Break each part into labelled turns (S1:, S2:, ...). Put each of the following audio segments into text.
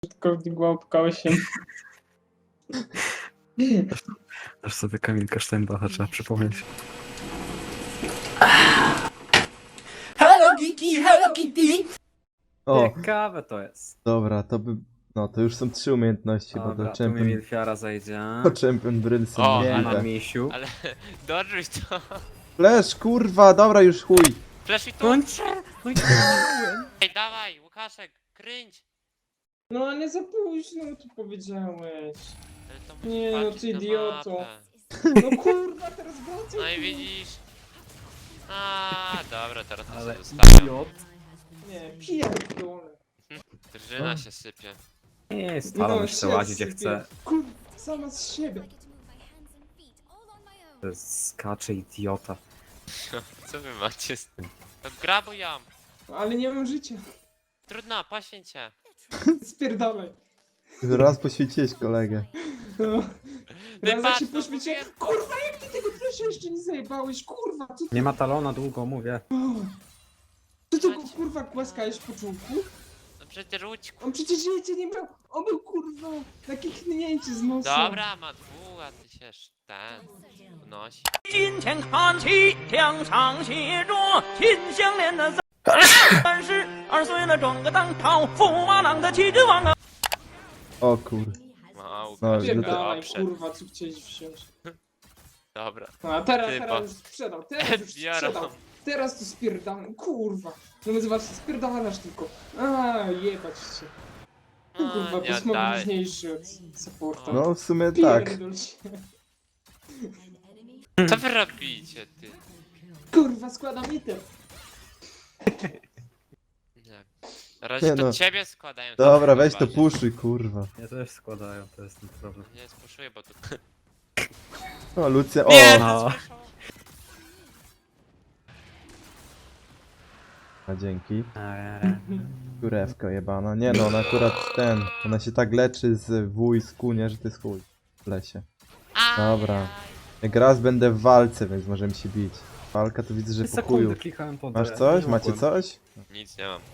S1: Użytkownik łapka 8.
S2: Aż sobie Kamilka Steinbacha trzeba przypomnieć.
S3: Hello Geeky, Hello Kitty!
S4: O,
S2: Ciekawe to jest.
S4: dobra, to by... No, to już są 3 umiejętności, bo
S2: Dobra,
S4: to
S2: tu mi
S4: Champion...
S2: Milfiara zejdzie.
S4: To Champion Brylson
S5: O,
S2: Nie ma
S4: możliwe.
S2: misiu.
S5: Ale dodżuj to.
S4: Flash, kurwa, dobra, już chuj.
S5: Flashuj tu.
S2: No nie, no nie.
S5: Ej, dawaj, Łukaszek, kręć.
S1: No ale za późno tu powiedziałeś.
S5: Ale to musisz
S1: Nie, no
S5: patrzeć
S1: ty
S5: na
S1: idioto.
S5: mapę.
S1: No kurwa, teraz wracaj.
S5: No i widzisz. A, dobra, teraz to
S2: Ale
S5: sobie zostawiam.
S2: idiot.
S1: Nie, pierdolę.
S5: Drżyna się sypie.
S2: Nie jest, talon już
S1: się
S2: chce łazić jak
S1: sypie.
S2: chce.
S1: Kurwa, sama z siebie.
S2: To jest skacze idiota.
S5: Co wy macie z tym? No grabujam.
S1: Ale nie mam życia.
S5: Trudno, poświęć się.
S1: Spierdalaj.
S4: Raz poświęciłeś kolegę.
S1: No. Raz jak się
S5: patrz, no
S1: poświęciłem.
S5: mówię.
S1: Kurwa, jak ty tego flesza jeszcze nie zajebałeś? Kurwa, co ty...
S2: Nie ma talona długo, mówię.
S1: Ty tego kurwa głaskałeś po czubku?
S5: No przecież łódź.
S1: On przecież życia nie miał. On był kurwa na kichnięcie z nosa.
S5: Dobra, ma dwóch, a ty się ten unosi.
S3: 金钱看齐，墙上写着秦香莲的32岁了，转个当朝，驸马郎的气质王啊！
S4: O kur...
S5: Mał,
S4: No,
S1: Pierdalaj,
S5: dobrze.
S1: kurwa, co chciałeś wziąć.
S5: Dobra.
S1: No, a teraz
S5: Typa.
S1: już sprzedał, teraz już
S5: Biorą.
S1: sprzedał. Teraz to spierdalam, kurwa. No zobaczcie, spierdalasz tylko. A, jebać cię. No, kurwa,
S5: nie
S1: to jest
S5: daj.
S1: mocniejszy od supporta.
S4: No, w sumie tak.
S1: Pierdol się.
S5: Co wy robicie, ty?
S1: Kurwa, składam item.
S5: Nie. Na razie
S4: Nie
S5: to
S4: no.
S5: ciebie składają.
S4: Dobra, weź to
S5: bardziej.
S4: puszuj, kurwa.
S2: Ja też składają, to jest ten problem.
S5: Nie, spuszuję, bo tu...
S4: O, Lucja, o!
S5: Nie,
S2: no.
S5: no.
S4: A dzięki. Kurewka jebana. Nie no, ona akurat ten... Ona się tak leczy z wójsku, nie, że to jest chuj. W lesie. Dobra. Jak raz będę w walce, więc możemy się bić. Walka to widzę, że po chuju.
S2: Sekundy klikałem po
S4: Masz
S2: D,
S4: coś?
S2: nie
S4: Macie
S2: mogłem.
S4: coś?
S5: Nic nie mam.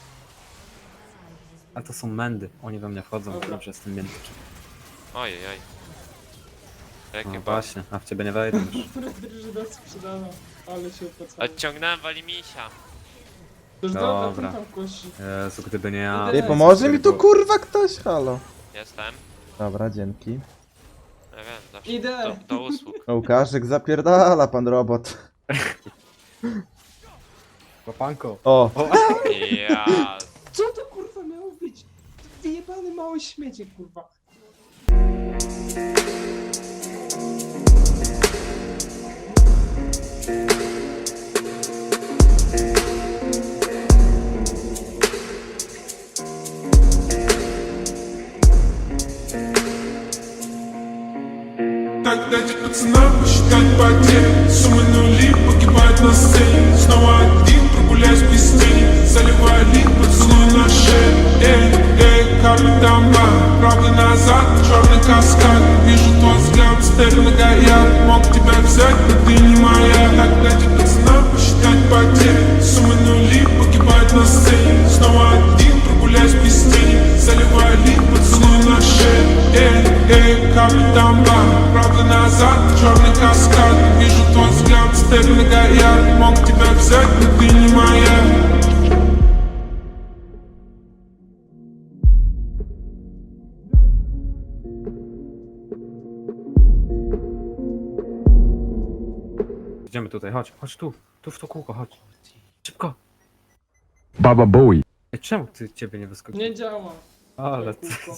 S2: A to są mędy, oni we mnie wchodzą,
S1: Dobra.
S2: dobrze z tym między.
S5: Ojej, oj. Jakie
S2: No
S5: ba...
S2: właśnie, a w ciebie nie wejdę już.
S1: Drużyna sprzedana, ale się opłacało.
S5: Odciągnąłem walimisia.
S1: To już
S2: Dobra.
S1: dobra, tam kości.
S2: Jezu, gdyby nie ja...
S1: Ej,
S4: Ej, pomoże mi tu kurwa ktoś, halo.
S5: Jestem.
S4: Dobra, dzięki.
S5: Ja wiem, zawsze
S1: Idę.
S5: do usług.
S4: Łukaszek zapierdala, pan robot.
S2: Łapanko.
S4: O!
S5: Ja.
S1: Co to kurwa miało być? Wyjebany mały śmiecie, kurwa.
S6: Так дайте пацанам посчитать потери. Суммы нули погибают на сцене. Снова один, прогуляюсь без тени. Заливаю лик, поцелуй на шею. Эй, капли дома, правда назад, черный каскад. Вижу твой взгляд, стель многояд. Мог тебя взять, но ты не моя. Так дайте пацанам посчитать потери. Суммы нули погибают на сцене. Снова один, прогуляюсь без тени. Заливаю лик, поцелуй на шею. Эй, капли дома, правда назад, черный каскад. Вижу твой взгляд, стель многояд. Мог тебя взять, но ты не моя.
S2: Idziemy tutaj, chodź tu. Tu w to kółko, chodź. Szybko.
S7: Baba Bowie.
S2: Ej, czemu ciebie nie wyskoczyło?
S1: Nie działa.
S2: Ale
S1: Kółko.